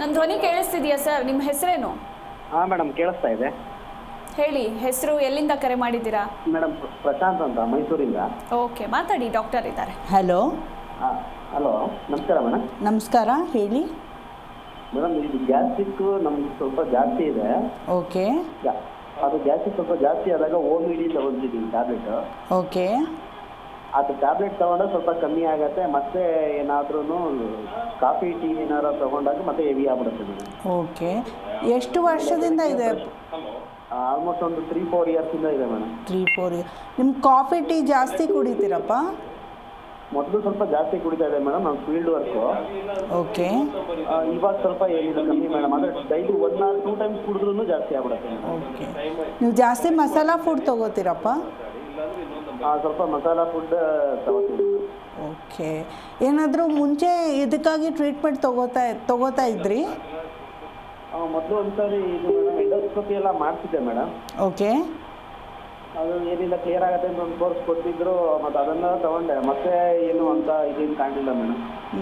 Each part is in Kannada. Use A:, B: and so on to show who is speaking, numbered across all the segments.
A: ನನ್ನ ಧ್ವನಿ ಕೇಳಿಸ್ತಿದೆಯಾ ಸರ್? ನಿಮ್ಮ ಹೆಸರೇನು?
B: ಹಾಂ ಮೇಡಮ್, ಕೇಳಿಸ್ತಾ ಇದೆ.
A: ಹೇಳಿ, ಹೆಸರು, ಎಲ್ಲಿಂದ ಕರೆ ಮಾಡಿದ್ದೀರಾ?
B: ಮೇಡಮ್ ಪ್ರಶಾಂತ್ ಅಂತ, ಮೈಸೂರಿಂದ.
A: ಓಕೆ, ಮಾತಾಡಿ, ಡಾಕ್ಟರ್ ಇದ್ದಾರೆ.
C: ಹಲೋ.
B: ಹಲೋ, ನಮಸ್ಕಾರ ಮೇಡಮ್.
C: ನಮಸ್ಕಾರ, ಹೇಳಿ
B: ಮೇಡಮ್. ಇದು ಗ್ಯಾಸ್ಟ್ರಿಕ್ ನಮ್ಗೆ ಸ್ವಲ್ಪ ಜಾಸ್ತಿ ಇದೆ.
C: ಓಕೆ.
B: ಅದು ಗ್ಯಾಸ್ಟ್ರಿಕ್ ಸ್ವಲ್ಪ ಜಾಸ್ತಿ ಆದಾಗ OMD ತಗೊಂಡಿದ್ದೀನಿ ಟ್ಯಾಬ್ಲೆಟ್.
C: ಓಕೆ.
B: ಅದು ಟ್ಯಾಬ್ಲೆಟ್ ತಗೊಂಡ್ರೆ ಸ್ವಲ್ಪ ಕಮ್ಮಿ ಆಗುತ್ತೆ. ಮತ್ತೆ ಏನಾದ್ರೂ ಕಾಫಿ ಟೀ ಏನಾದ್ರು ತಗೊಂಡಾಗ ಮತ್ತೆ ಹೆವಿ ಆಗ್ಬಿಡುತ್ತೆ ಮೇಡಮ್.
C: ಓಕೆ. ಎಷ್ಟು ವರ್ಷದಿಂದ ಇದೆ?
B: ಆಲ್ಮೋಸ್ಟ್ ಒಂದು 3-4 ಇಯರ್ಸಿಂದ ಇದೆ ಮೇಡಮ್.
C: 3-4 ಇಯರ್. ನಿಮ್ಮ ಕಾಫಿ ಟೀ ಜಾಸ್ತಿ ಕುಡಿತೀರಪ್ಪ?
B: ಮೊದಲು ಸ್ವಲ್ಪ ಜಾಸ್ತಿ ಕುಡಿತಾ ಇದೆ ಮೇಡಮ್, ನಮ್ಮ ಫೀಲ್ಡ್ ವರ್ಕು.
C: ಓಕೆ.
B: ಇವಾಗ ಸ್ವಲ್ಪ ಏನಿದೆ ಕಮ್ಮಿ ಮೇಡಮ್. ಅಂದರೆ ಡೈಲಿ 1 or 2 ಟೈಮ್ಸ್ ಕುಡಿದ್ರೂ ಜಾಸ್ತಿ ಆಗ್ಬಿಡುತ್ತೆ.
C: ಓಕೆ. ನೀವು ಜಾಸ್ತಿ ಮಸಾಲ ಫುಡ್ ತೊಗೋತೀರಪ್ಪ?
B: ಸ್ವಲ್ಪ ಮಸಾಲ ಫುಡ್ ತಗೋತೀವಿ.
C: ಓಕೆ. ಏನಾದರೂ ಮುಂಚೆ ಇದಕ್ಕಾಗಿ ಟ್ರೀಟ್ಮೆಂಟ್ ತಗೋತಾ ಇದ್ರಿ?
B: ಮೊದಲು ಒಂದ್ಸರಿ ಇದು ಮೇಡಮ್ ಎಂಡೋಸ್ಕೋಪಿ ಎಲ್ಲ ಮಾಡ್ತಿದ್ದೆ ಮೇಡಮ್.
C: ಓಕೆ.
B: ಅದು ಏನಿಲ್ಲ ಕ್ಲಿಯರ್ ಆಗುತ್ತೆ ಅಂತ ಒಂದು ಕೋರ್ಸ್ ಕೊಟ್ಟಿದ್ರು, ಮತ್ತು ಅದನ್ನು ತಗೊಂಡೆ. ಮತ್ತೆ ಏನು ಅಂತ ಇದೇನು ಕಾಣಲಿಲ್ಲ ಮೇಡಮ್.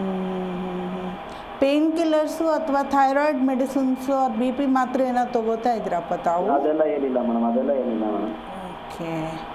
C: ಪೇನ್ ಕಿಲ್ಲರ್ಸು ಅಥವಾ ಥೈರಾಯ್ಡ್ ಮೆಡಿಸಿನ್ಸು ಅಥವಾ BP ಮಾತ್ರೆ ಏನಾದ್ರು ತೊಗೋತಾ ಇದ್ರಪ್ಪ ತಾವು?
B: ಅದೆಲ್ಲ ಏನಿಲ್ಲ ಮೇಡಮ್, ಅದೆಲ್ಲ ಏನಿಲ್ಲ ಮೇಡಮ್.
C: ಓಕೆ.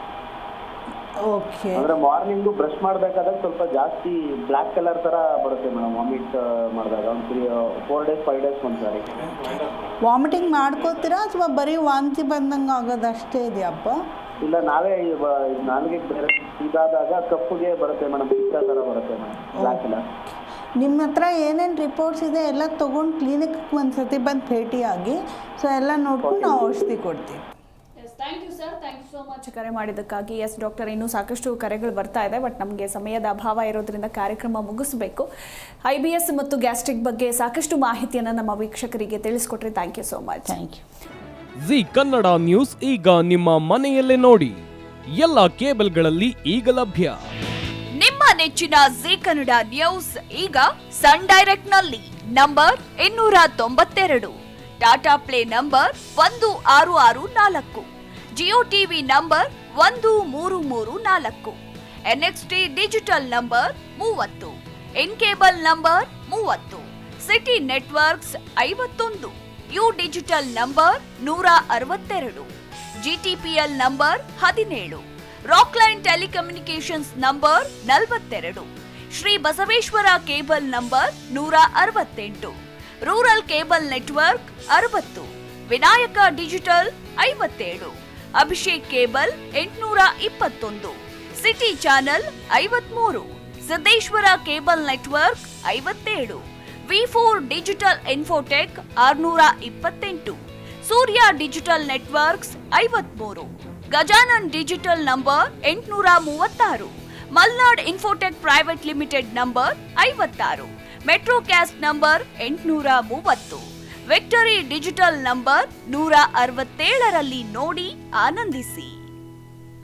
C: ಓಕೆ.
B: ಅಂದರೆ ಮಾರ್ನಿಂಗು ಬ್ರಷ್ ಮಾಡಬೇಕಾದಾಗ ಸ್ವಲ್ಪ ಜಾಸ್ತಿ ಬ್ಲ್ಯಾಕ್ ಕಲರ್ ಥರ ಬರುತ್ತೆ ಮೇಡಮ್, ವಾಮಿಟ್ ಮಾಡಿದಾಗ. ಒಂದು 4 days 5 days ಒಂದ್ಸಾರಿ.
C: ವಾಮಿಟಿಂಗ್ ಮಾಡ್ಕೋತೀರಾ ಅಥವಾ ಬರೀ ವಾಂತಿ ಬಂದಂಗೆ ಆಗೋದು ಅಷ್ಟೇ ಇದೆಯಪ್ಪ?
B: ಇಲ್ಲ, ನಾವೇ ನಾಲ್ಗೆ ಬೇರೆ ಇದಾದಾಗ ಕಪ್ಪುಗೆ ಬರುತ್ತೆ ಮೇಡಮ್, ಪಿತ್ತ ಥರ ಬರುತ್ತೆ ಮೇಡಮ್, ಬ್ಲ್ಯಾಕ್ ಕಲರ್.
C: ನಿಮ್ಮ ಹತ್ರ ಏನೇನು ರಿಪೋರ್ಟ್ಸ್ ಇದೆ ಎಲ್ಲ ತೊಗೊಂಡು ಕ್ಲಿನಿಕ್ಗೆ ಒಂದು ಸತಿ ಬಂದು ಭೇಟಿಯಾಗಿ, ಸೊ ಎಲ್ಲ ನೋಡ್ಕೊಂಡು ನಾವು ಔಷಧಿ ಕೊಡ್ತೀವಿ.
A: Thank you sir, thank you so much ಕರೆ ಮಾಡಿದ್ದಕ್ಕಾಗಿ. ಎಸ್ ಡಾಕ್ಟರ್, ಇನ್ನೂ ಸಾಕಷ್ಟು ಕರೆಗಳು ಬರ್ತಾ ಇದೆ, ಬಟ್ ನಮಗೆ ಸಮಯದ ಅಭಾವ ಇರೋದ್ರಿಂದ ಕಾರ್ಯಕ್ರಮ ಮುಗಿಸಬೇಕು. IBS ಮತ್ತು ಗ್ಯಾಸ್ಟ್ರಿಕ್ ಬಗ್ಗೆ ಸಾಕಷ್ಟು ಮಾಹಿತಿಯನ್ನು ನಮ್ಮ ವೀಕ್ಷಕರಿಗೆ ತಿಳಿಸ್ಕೊಟ್ರಿ. Thank you so much.
C: Thank you.
D: Zee Kannada news ಈಗ ನಿಮ್ಮ ಮನೆಯಲ್ಲೇ ನೋಡಿ. ಎಲ್ಲ ಕೇಬಲ್ಗಳಲ್ಲಿ ಈಗ ಲಭ್ಯ.
E: ನಿಮ್ಮ ನೆಚ್ಚಿನ ಜಿ ಕನ್ನಡ ನ್ಯೂಸ್ ಈಗ ಸನ್ ಡೈರೆಕ್ಟ್ ನಲ್ಲಿ number 292, Tata Play number 1664, Jio TV number 1334, NXT digital number 30, in cable number 30, city networks 51, U digital number 162, GTPL number 17, Rockline telecommunications number 42, Shri Basaveshwara cable number 168, rural cable network 60, Vinayaka digital 57, Abhishek cable 821, city channel 53, Siddeshwara cable network 57, V4 digital infotech 628, Surya digital networks 53, Gajanan digital number 836, Malnad infotech private limited number 56, Metrocast number 830, victory digital number 167ರಲ್ಲಿ ನೋಡಿ ಆನಂದಿಸಿ.